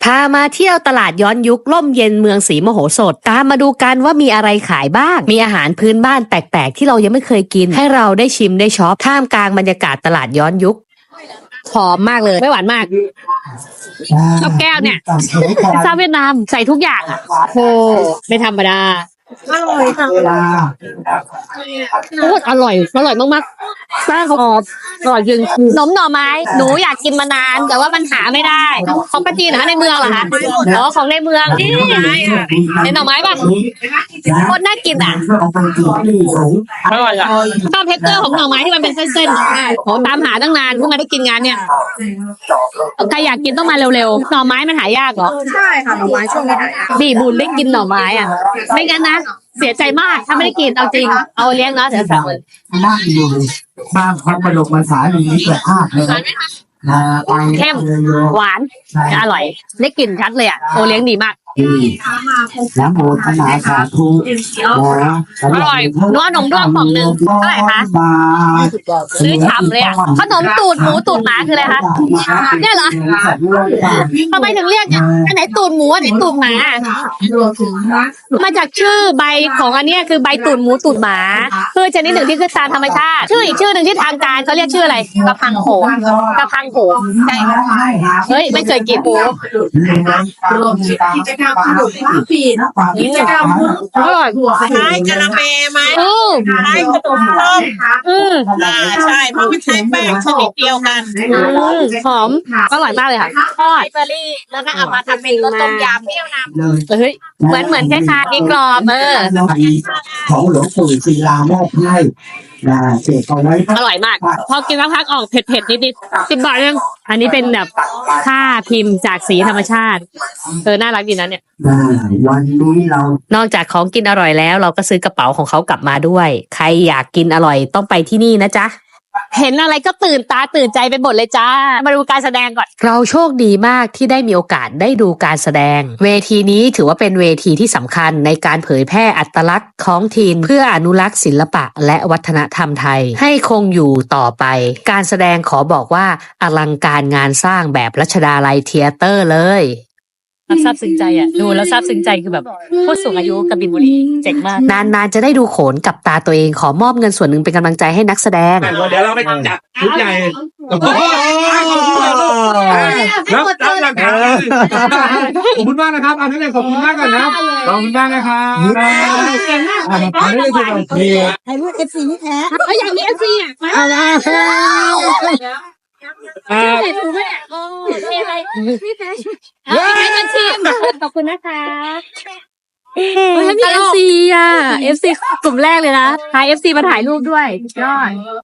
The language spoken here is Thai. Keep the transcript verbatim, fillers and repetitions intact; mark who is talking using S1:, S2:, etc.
S1: พามาเที่ยวตลาดย้อนยุคร่มเย็นเมืองศรีมโหสถตามมาดูกันว่ามีอะไรขายบ้างมีอาหารพื้นบ้านแปลกๆที่เรายังไม่เคยกินให้เราได้ชิมได้ช็อปท่ามกลางบรรยากาศตลาดย้อนยุคหอมมากเลยไม่หวานมากชอบแก้วเนี่ยพิซซ่าเวียดนามใส่ทุกอย่างอ่ะโอ้ไม่ธรรมดาอร่อยค่ะโคตรอร่อยอร่อยมากๆแป้งเขาอร่อยจริงนมหน่อไม้หนูอยากกินมานานแต่ว่ามันหาไม่ได้ของปาจีนเหรอคะในเมืองเหรอคะอ๋อของในเมืองนี่ในหน่อไม้ป่ะโคตรน่ากินอ่ะอร่อยอ่ะชอบเทคเจอร์ของหน่อไม้ที่มันเป็นเส้นๆผมตามหาตั้งนานเพิ่งมาได้กินงานเนี่ยใครอยากกินต้องมาเร็วๆหน่อไม้มันหายากเหรอ
S2: ใช่ค่ะหน่อไม้ช่วงนี้หายาก
S1: ดีบุญได้กินหน่อไม้อ่ะไม่งั้นนะเสียใจมากถ้าไม่ได้กินเอาจริงเอาเลี้ยงเนาะเดี๋ยวสั่งเลย
S3: นั่งอยู่บางพระบรมสารีริกธาตุเลย
S1: เข้มหวานอร่อยได้กลิ่นชัดเลยอ่ะโอเลี้ยงดีมาก
S3: น้ำโมทนาสาธุ
S1: อร่อยนัวหนมด้วงของหนึ่งเท่าไหร่คะซื้อฉ่ำเลยอ่ะขนมตูดหมูตูดหมาคืออะไรคะเนี่ยเหรอทำไมถึงเรียกอันไหนตูดหมูอันไหนตูดหมามาจากชื่อใบของอันนี้คือใบตูดหมูตูดหมาคือชนิดหนึ่งที่ขึ้นตามธรรมชาติชื่ออีกชื่อหนึ่งที่ทางการเขาเรียกชื่ออะไรกระพังโขงกระพังโขงใช่เฮ้ยไม่เคยกิน
S2: กิจกรรมขนมปีนกิจกรรมอร่อยคล้ายกะละเมไหมคล้ายขนมต้มอืมอ่าใช่เพราะมันใช้แป้งชนิดเดียวกัน
S1: หอมอร่อยมากเลยค่ะ
S2: ทอดเบอร์รี่แล้วก็เอามาทำเป็นรสต้มยำเปรี้ยวน้
S1: ำเฮ้ยเหมือนเหมือนคล้ายๆมีกรอบเออ
S3: ของหลวงปู่ศิลามอบให้นะเก็บเอาไว้
S1: อร่อยมากพอกินแล้วพักออกเผ็ดๆนิดๆสิบบาทเองอันนี้เป็นแบบผ้าพิมพ์จากสีธรรมชาติเออน่ารักดีนะเนี่ย
S3: วันนี้เรา
S1: นอกจากของกินอร่อยแล้วเราก็ซื้อกระเป๋าของเขากลับมาด้วยใครอยากกินอร่อยต้องไปที่นี่นะจ๊ะเห็นอะไรก็ตื่นตาตื่นใจไปหมดเลยจ้ามาดูการแสดงก่อนเราโชคดีมากที่ได้มีโอกาสได้ดูการแสดงเวทีนี้ถือว่าเป็นเวทีที่สำคัญในการเผยแพร่อัตลักษณ์ของถิ่นเพื่ออนุรักษ์ศิลปะและวัฒนธรรมไทยให้คงอยู่ต่อไปการแสดงขอบอกว่าอลังการงานสร้างแบบรัชดาลัยเธียเตอร์เลยซาบซึ้งใจอ่ะดูแล้วซาบซึ้งใจคือแบบผู้สูงอายุกบินบุรีเจ๋งมากนานๆจะได้ดูโขนกับตาตัวเองขอมอบเงินส่วนหนึ่งเป็นกำลังใจให้นักแสดง
S4: เดี๋ยวเราไปจัดชุดใหญ่แล้วหลักฐานขอบคุณมากนะครับอันนี้เลยขอบคุณมากกันนะขอบคุณมากนะครับ
S2: เก่งมากอันนี้เลยคือถ่ายรูปเอฟซีนี่แท้เอ้ยอย่างนี้เอฟซีอ่ะ
S3: เอาละ
S2: ถ่ายรูปไหมโอ้พี่อะไรพี่แท้เอาไปกันชิมขอบคุณนะคะ
S1: เฮ้ยมีเอฟซีอ่ะเอฟซีกลุ่มแรกเลยนะพาเอฟซีมาถ่ายรูปด้วยยอด